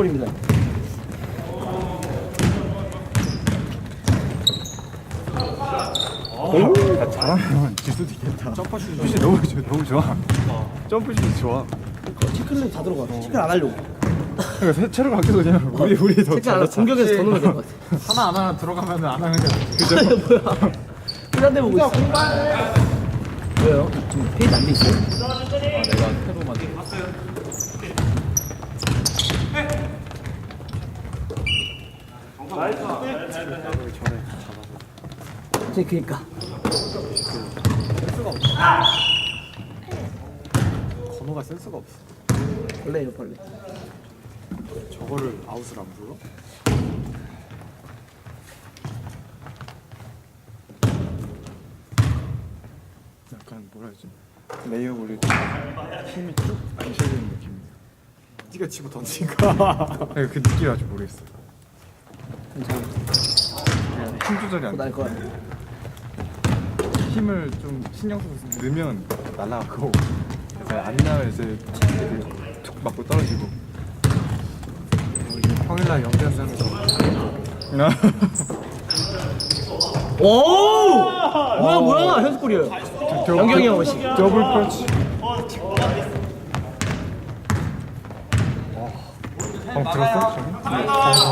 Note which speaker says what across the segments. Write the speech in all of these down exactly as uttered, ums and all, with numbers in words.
Speaker 1: 골입니다.
Speaker 2: 오, 잘하면 질 수도 있겠다. 점프슛이 너무 좋아, 너무 좋아. 점프슛이 좋아.
Speaker 1: 체크는 다 들어가. 체크 안 하려고.
Speaker 2: 그러니까 체력 아껴서 그냥 우리 우리 더
Speaker 1: 체크 안 하고 공격에서 더 넣으면 될 것 같아.
Speaker 2: 하나 안 하나 들어가면 안 하는 게 그죠?
Speaker 1: 뭐야? 그런데 보고 있어. 왜요? 지금 페이지 안 돼 있어요?
Speaker 3: 아, 내가 새로 만든
Speaker 1: 제 그니까.
Speaker 2: 센스가 없어. 건호가 센스가 없어.
Speaker 1: 벌레예요 벌레.
Speaker 2: 저거를 아웃을 안 불러? 약간 뭐라 해야지? 레이업 올릴 때 힘이 쭉 안 실리는 느낌. 네가 치고 던지니까 그 느낌이 아직 모르겠어.
Speaker 1: 괜찮아.
Speaker 2: 힘 조절이 안 돼.
Speaker 1: 날 거야.
Speaker 2: 힘을 좀 신경 써서 넣으면 날아가고 이제 안 나면 이제 툭 맞고 떨어지고. 어, 이제 평일날 연기한다면서
Speaker 1: 오! 뭐야 뭐야 현수골이에요. 영경이 형 오시.
Speaker 2: 더블 펀치. 어, 들었어? 저기?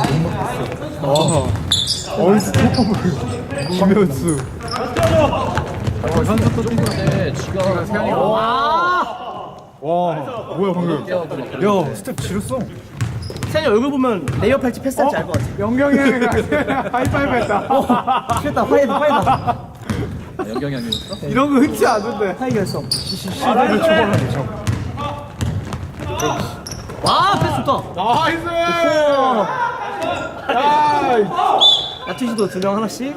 Speaker 2: 어, 어, 스톱을 김현수. 어, 현수 또 뛰고.
Speaker 3: 건데 지가
Speaker 2: 세현이가.
Speaker 1: 와!
Speaker 2: 와, 뭐야 방금? 야, 스텝 지렸어.
Speaker 1: 세현이 얼굴 보면 레이업 할지 패스할지 알 것 같아.
Speaker 2: 영경이 형이랑 하이파이브 했다.
Speaker 1: 됐다 화해다 화해다.
Speaker 3: 연경이 아니었어?
Speaker 2: 이런 거 흔치 않은데.
Speaker 1: 화해 결성.
Speaker 2: 시대를 초월하네, 저.
Speaker 1: 와 패스 좋다.
Speaker 2: 나이스!
Speaker 1: 우와.
Speaker 2: 야,
Speaker 1: 야투시도 두 명 하나씩.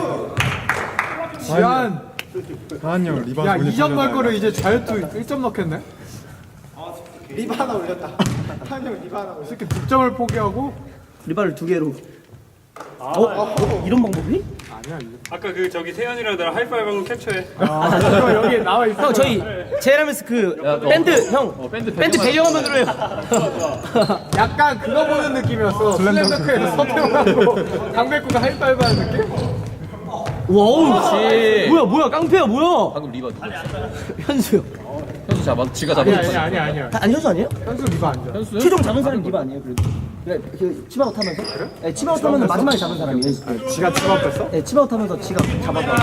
Speaker 2: 지한. 지한 형 리바운드. 야, 이 점 넣을 거를 이제 자유투 일 점 넣겠네? 리바 하나 올렸다. 한 형 리바 하나 올렸다. 이렇게 득점을 포기하고.
Speaker 1: 리바를 두 개로. 어? 어? 이런 방법이?
Speaker 2: 아니야, 이거.
Speaker 4: 아까 그 저기 세현이랑 나랑 하이파이브 한거 캡처해.
Speaker 2: 아, 이거 여기 나와 있어.
Speaker 1: 형 저희 제라메스 그
Speaker 3: 야, 너-
Speaker 1: 밴드 형
Speaker 3: 어, 밴드
Speaker 1: 밴드 배경화면으로 해요.
Speaker 2: 약간 그거 보는 느낌이었어. 슬램덩크에서 서태웅하고 강백구가 하이파이브 하는 느낌?
Speaker 1: 와우.
Speaker 3: 그렇지.
Speaker 1: 뭐야 뭐야 깡패야 뭐야?
Speaker 3: 방금 리바 누구였어?
Speaker 1: 현수요.
Speaker 3: 현수 잡아, 지가
Speaker 2: 아니,
Speaker 3: 잡았어.
Speaker 2: 아니, 아니, 아니야.
Speaker 1: 아, 아니 현수 아니에요?
Speaker 2: 현수 리바 아니야.
Speaker 3: 현수?
Speaker 1: 최종 잡은 사람이 리바 아니에요? 그래도. 그래 그 치마웃 하면서? 네, 치마웃 하면서 마지막에 잡은 사람이에요.
Speaker 2: 지가 치마했어?
Speaker 1: 네, 치마웃 하면서 지가 잡았다.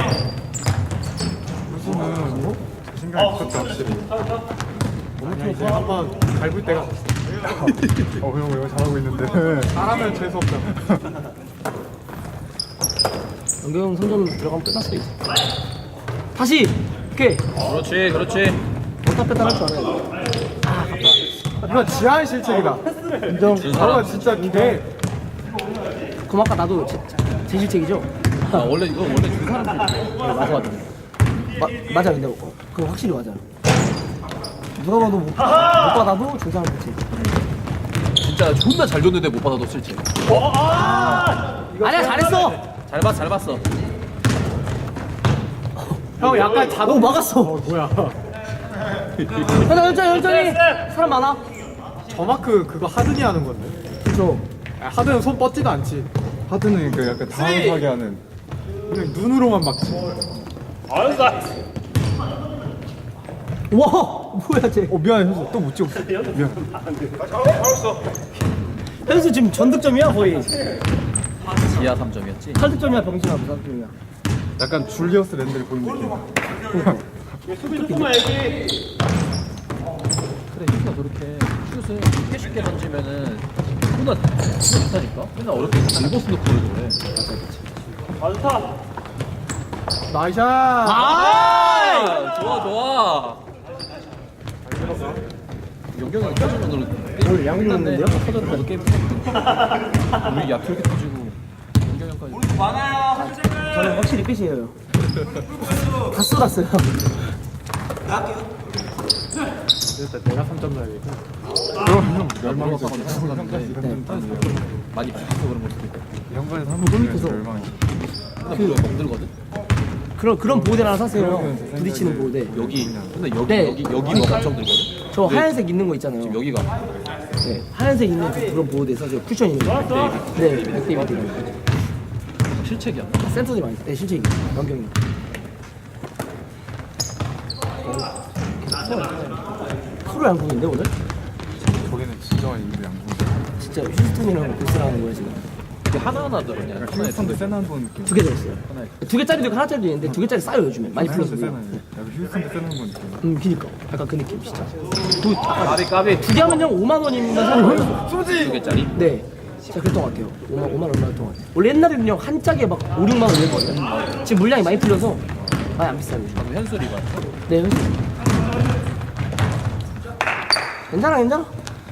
Speaker 2: 현수는 뭐? 자신감이 있었다, 확실히. 아니야, 이제 한번 밟을 때가 됐어. 어, 형, 이거 잘하고 있는데. 잘하면 재수없잖아.
Speaker 1: 연경 삼 점 들어가면 끝났어 이제. 다시 오케이.
Speaker 3: 그렇지, 그렇지.
Speaker 1: 왔다 뺐다 할 줄 알아요.
Speaker 2: 이거 지하의 실책이다.
Speaker 1: 인정.
Speaker 2: 저거 진짜 개.
Speaker 1: 그럼 아까 나도 제, 제 실책이죠?
Speaker 3: 아, 원래 이거 원래 두 사람들이
Speaker 1: 맞아. 마, 맞아 근데 어, 그거 확실히 맞아. 누가 봐도 못, 못 받아도 중상을 못해.
Speaker 3: 진짜 존나 잘 줬는데 못 받아도 실체.
Speaker 1: 아니야 잘했어.
Speaker 3: 잘 봤, 잘 봤어.
Speaker 2: 형, 약간 자동.
Speaker 1: 오 막았어.
Speaker 2: 어, 뭐야.
Speaker 1: 현장 현장 현장이 사람 많아.
Speaker 2: 저 마크 그거 하든이 하는 건데.
Speaker 1: 그죠.
Speaker 2: 아, 하든은 손 뻗지도 않지. 하든은 그 약간 당황하게 하는. 그냥 눈으로만 막지.
Speaker 1: 와 뭐야 쟤.
Speaker 2: 어, 미안해, 현수. 또 못 찍었어. 미안.
Speaker 1: 현수 지금 전득점이야 거의.
Speaker 3: 지하 삼 점이었지.
Speaker 1: 팔 득점이야 병신아 무슨 득점이야.
Speaker 2: 약간 줄리어스 랜드를 보는 느낌.
Speaker 3: 그래, 현수가 저렇게 슛을 쉽게 쉽게 던지면은 존나 좋다니까? 맨날 어렵게 일보스 놓고 그래.
Speaker 2: 나이샷!
Speaker 3: 아! 좋아, 좋아. 연경이 터지면
Speaker 1: 오늘 양이 넣는데요?
Speaker 3: 터졌다. 게임 우리 야표 이렇게 터지고 연경형까지.
Speaker 1: 저는 확실히 끝이에요. 다 쏟았어요.
Speaker 2: 일단 내가 삼 점 넣어야겠다. 그럼 형 멸망해서
Speaker 3: 많이 부딪혀서 그런 걸 수도 있고.
Speaker 2: 이 형반에서 한번 보니까 멸망해.
Speaker 3: 근데 그 멍들거든?
Speaker 1: 그런 그런 보호대 하나 사세요. 형. 부딪히는 보호대.
Speaker 3: 여기, 근데 여기,
Speaker 1: 네.
Speaker 3: 여기, 여기가 엄청 들거든?
Speaker 1: 저 하얀색 있는 거 있잖아요.
Speaker 3: 지금 여기가.
Speaker 1: 네, 하얀색 있는 그 그런 보드에서 저 쿠션 있는 거. 네, 맥데이비드.
Speaker 3: 실책이야.
Speaker 1: 센터들이 많이 있어요. 네, 실제 연경이. 프로 양궁인데 오늘?
Speaker 2: 거기는 진짜 인도 양궁.
Speaker 1: 진짜 휴스턴이랑 보스라는 거예요 지금.
Speaker 3: 이게 하나하나 들었냐?
Speaker 2: 약간 휴스턴도 세나본 느낌.
Speaker 1: 두 개 들었어요.
Speaker 3: 하나에.
Speaker 1: 두 개짜리도 있고 하나짜리도 있는데 두 개짜리 싸요 요즘에. 많이
Speaker 2: 휴스턴도
Speaker 1: 풀렸어요.
Speaker 2: 세나. 약간 휴스턴도 세나본 느낌.
Speaker 1: 음, 그니까. 약간 그 느낌 진짜. 두,
Speaker 3: 까비 까비.
Speaker 1: 두 개 하면요 오만 원이면 사는
Speaker 3: 두 개짜리.
Speaker 1: 네. 진짜 그랬던 것 같아요. 오만, 오만 얼마였던 것 같아요. 원래 옛날에는요 한 짝에 막 오, 육만 원 이랬거든요. 지금 물량이 많이 풀려서 많이 안 비싸요 요즘.
Speaker 3: 방금 현수리 봐.
Speaker 1: 네, 현수. 괜찮아, 괜찮아.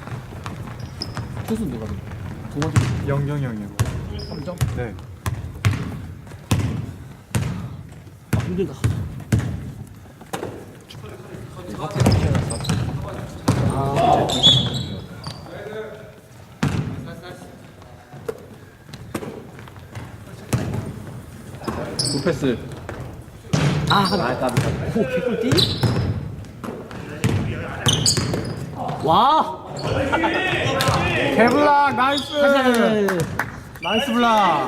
Speaker 3: 투수 누가 두 번째
Speaker 2: 영경이 형이요.
Speaker 3: 삼 점?
Speaker 2: 네.
Speaker 1: 아, 힘들다. 아,
Speaker 3: 두 패스.
Speaker 1: 아,
Speaker 3: 아
Speaker 1: 하나.
Speaker 3: 까비 까비.
Speaker 1: 오, 개꿀띠? 와!
Speaker 2: 개블락 나이스.
Speaker 1: 사실,
Speaker 2: 나이스 블락.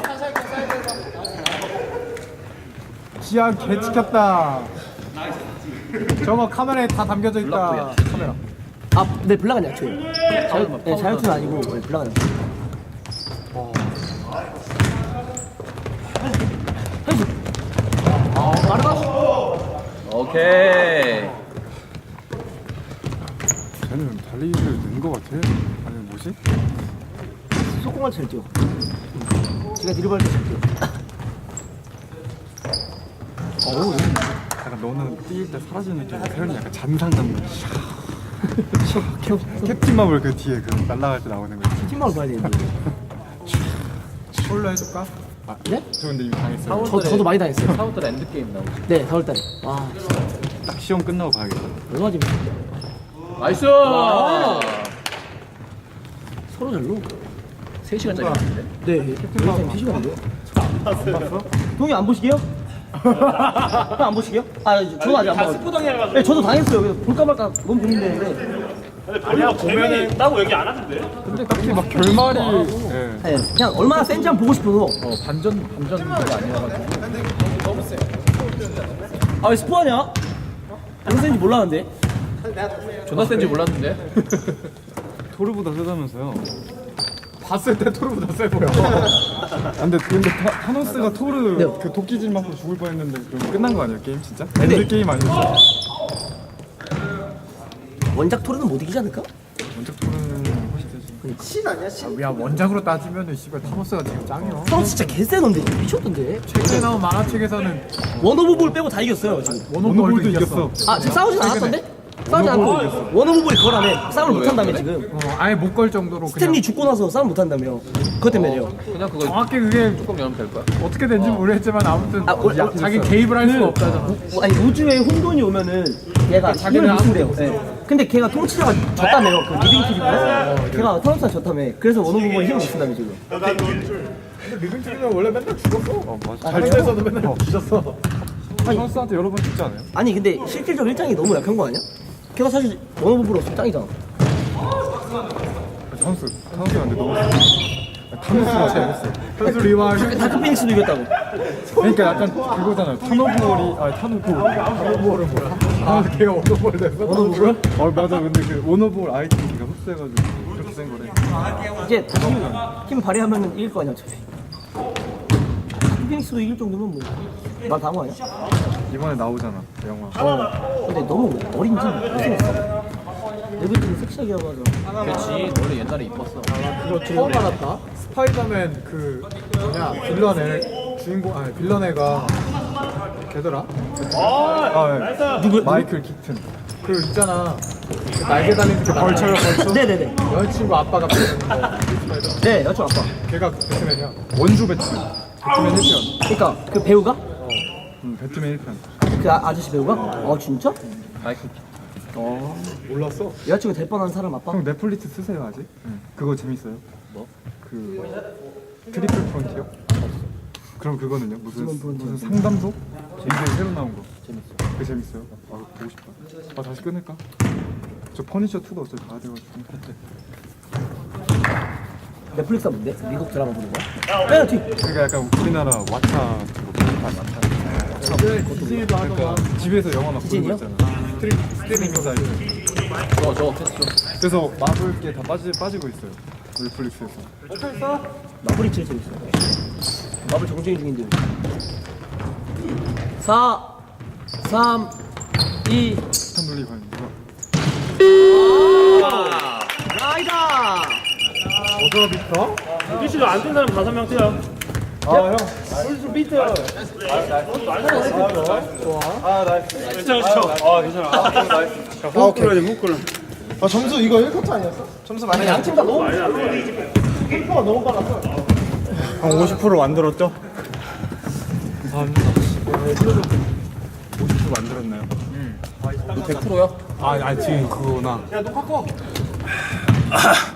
Speaker 2: 지하 개 찍혔다. 저거 카메라에 다 담겨져 있다. 카메라.
Speaker 1: 아, 네, 블락은 약초예요. 자유, 네, 자유투는 아니고, 네, 블락은 약초. 현수! 아, 빠르다.
Speaker 3: 오케이.
Speaker 2: 쟤는 달리기를 는 거 같아. 아니 뭐지?
Speaker 1: 속공할 잘 뛰어. 제가 드리블할 때잘 뛰어. 어우,
Speaker 2: 약간 너는 뛰일 때 사라지는 느낌. 태현이 약간 잔상 잡는. 캡틴 마블 그 뒤에 그 날아갈 때 나오는 거.
Speaker 1: 팀망을 봐야 되는데.
Speaker 2: 홀로 해줄까? 아,
Speaker 1: 네?
Speaker 2: 저 근데 이미 당했어요.
Speaker 1: 저, 저도 많이 당했어요.
Speaker 3: 사우들 엔드 게임 나오지.
Speaker 1: 네, 사월달에. 와, 진짜.
Speaker 2: 딱 시험 끝나고 봐야겠다.
Speaker 1: 얼마 재밌어.
Speaker 3: 나이스.
Speaker 1: 서로 잘로.
Speaker 3: 세 시간짜리인데.
Speaker 1: 네, 캡틴 세 시간인데요. 안 봤어? 동이 안 보시게요? 형안 보시게요? 아, 저도 아직 안 봐요.
Speaker 4: 스포당해가지고.
Speaker 1: 네, 저도 당했어요. 그래서 볼까 말까 너무 고민되는데.
Speaker 4: 아니야 보면은 따고 얘기 안 하던데.
Speaker 2: 근데 딱히 막 결말이. 예.
Speaker 1: 네, 그냥 얼마나 센지 한번 보고 싶어서.
Speaker 3: 어 반전 반전가 아니어가지고.
Speaker 1: 아, 왜 스포하냐? 얼마나 센지 몰랐는데.
Speaker 3: 존나 센지 몰랐는데.
Speaker 2: 토르보다 세다면서요? 봤을 때 토르보다 세 보여. 아, 근데 근데 타, 타노스가 토르
Speaker 1: 네.
Speaker 2: 그 도끼질 맞고 죽을 뻔했는데 그럼 끝난 거 아니야 게임 진짜?
Speaker 1: 근데-
Speaker 2: 엔드 게임 아니었어?
Speaker 1: 원작 토르는 못 이기지 않을까?
Speaker 2: 원작 토르는 훨씬 세지.
Speaker 1: 신 아니야, 신?
Speaker 2: 야 원작으로 따지면은 씨발 타노스가 지금 짱이야.
Speaker 1: 형 진짜 개쎄던데. 미쳤던데.
Speaker 2: 최근에 나온 만화책에서는
Speaker 1: 원오브볼 빼고 다 이겼어요, 지금.
Speaker 2: 원오볼도 이겼어.
Speaker 1: 아, 지금 싸우진 않았던데? 싸우지 않고 원오브볼이 그거라며. 싸움을 못한다며, 지금.
Speaker 2: 어, 아예 못 걸 정도로
Speaker 1: 스탠리 죽고 나서 싸움 못한다며. 그것 때문에요.
Speaker 3: 그냥 그거
Speaker 2: 정확히 그게
Speaker 3: 조금 열면 될 거야.
Speaker 2: 어떻게 된지 모르겠지만 아무튼
Speaker 1: 아, 어,
Speaker 2: 야,
Speaker 1: 어,
Speaker 2: 자기
Speaker 1: 됐어요.
Speaker 2: 개입을 할 수가
Speaker 1: 그-
Speaker 2: 없다잖아.
Speaker 1: 우- 아니 우주에 혼돈이 오면은 걔가 자기를
Speaker 2: 자기는
Speaker 1: 무슨대요. 네. 근데 걔가 통치자가 졌다며요. 그 리빙 TV가 걔가 타노스가 졌다며. 그래서 원오브볼이 힘을 못 쓴다며 지금.
Speaker 2: 근데 리빙트리는 원래 맨날 죽었어. 어 맞아.
Speaker 1: 잘
Speaker 2: 잘에서도 맨날 죽었어.
Speaker 1: 아니,
Speaker 2: 타노스한테 여러 번 죽지 않아요?
Speaker 1: 아니 근데 실질적 일장이 너무 약한 거 아니야? 걔가 사실 원오브볼 없으면 짱이잖아.
Speaker 2: 타노스 타노스가 근데 너무 타노스가 재밌어. 타노스 리와
Speaker 1: 다크 피닉스도 이겼다고.
Speaker 2: 그러니까 약간 그거잖아요. 타노볼이 아 타노볼 타노볼은 뭐야? 아 걔가 원오볼 됐어.
Speaker 1: 원오볼?
Speaker 2: 어 맞아. 근데 그 원오볼 아이템이가 흡수해가지고 그렇게 센 거래.
Speaker 1: 이제 다시 힘 발휘하면은 이길 거 아니야 어차피. 다크 피닉스도 이길 정도면 뭐말 다 한 거 아니야?
Speaker 2: 이번에 나오잖아 영화.
Speaker 1: 어. 근데 너무 어린지 못생겼어. 레벨이 섹시하게 하고 하자.
Speaker 3: 그렇지. 원래 옛날에 이뻤어.
Speaker 2: 그거 처음 알았다. 스파이더맨 그 뭐냐 빌런 애 주인공 아니 빌런 애가 걔더라. 아 네.
Speaker 1: 누구?
Speaker 2: 마이클 키튼. 그 있잖아. 그 날개 달린 그 벌쳐요 벌쳐.
Speaker 1: 네네네.
Speaker 2: 여자친구 아빠가 배트맨 거. 스파이더.
Speaker 1: 네, 여친 아빠.
Speaker 2: 걔가 배트맨이야. 원주 배트맨. 배트맨 일 편.
Speaker 1: 그러니까 그 배우가
Speaker 2: 음, 배트맨 일 편.
Speaker 1: 그 아, 아저씨 배우가? 아 진짜?
Speaker 3: 마이클.
Speaker 2: 어 몰랐어.
Speaker 1: 여자친구 될 뻔한 사람 아빠?
Speaker 2: 형 넷플릭스 쓰세요 아직? 응. 그거 재밌어요.
Speaker 3: 뭐?
Speaker 2: 그 트리플 프론티어? 그럼 그거는요? 무슨
Speaker 1: 무슨 프론티어?
Speaker 2: 무슨 상담소? 이제 새로 나온 거. 재밌어. 그 재밌어요? 아 보고 싶다. 아 다시 끊을까? 저 퍼니셔 투도 어차피 봐야 돼가지고.
Speaker 1: 넷플릭스가 뭔데? 미국 드라마 보는 거야? 페널티.
Speaker 2: 그러니까 약간 우리나라 왓챠
Speaker 1: 디즈니도
Speaker 2: 그러니까 집에서 영화 막 보는 거
Speaker 1: 디즈니요?
Speaker 2: 있잖아. 스트리, 스트리밍 사이트.
Speaker 3: 저, 저, 했어.
Speaker 2: 그래서 마블 게 다 빠지, 빠지고 있어요. 넷플릭스에서.
Speaker 1: 마블이 제일 재밌어. 마블 정주행 중인데. 사, 삼, 이.
Speaker 2: 스탄블리 과연 누가?
Speaker 1: 라이다.
Speaker 2: 어저비터?
Speaker 4: 피씨도 안 뜬 사람 다섯 명 뛰어.
Speaker 2: 아 형.
Speaker 4: 괜찮아, 괜찮아. 아, 괜찮아. 아, 나이스. 자, 훅 끌어야 돼, 훅 끌어.
Speaker 5: 아 점수 이거 일 쿼터 아니었어? 점수 많이
Speaker 1: 양팀 다 너무 템포가 너무 빨라서.
Speaker 2: 한 오십 퍼센트 만들었죠? 감사합니다. 오십 퍼센트 만들었나요?
Speaker 3: 백 퍼센트야?
Speaker 2: 아, 아 지금 그거나.
Speaker 5: 야 녹화 꺼.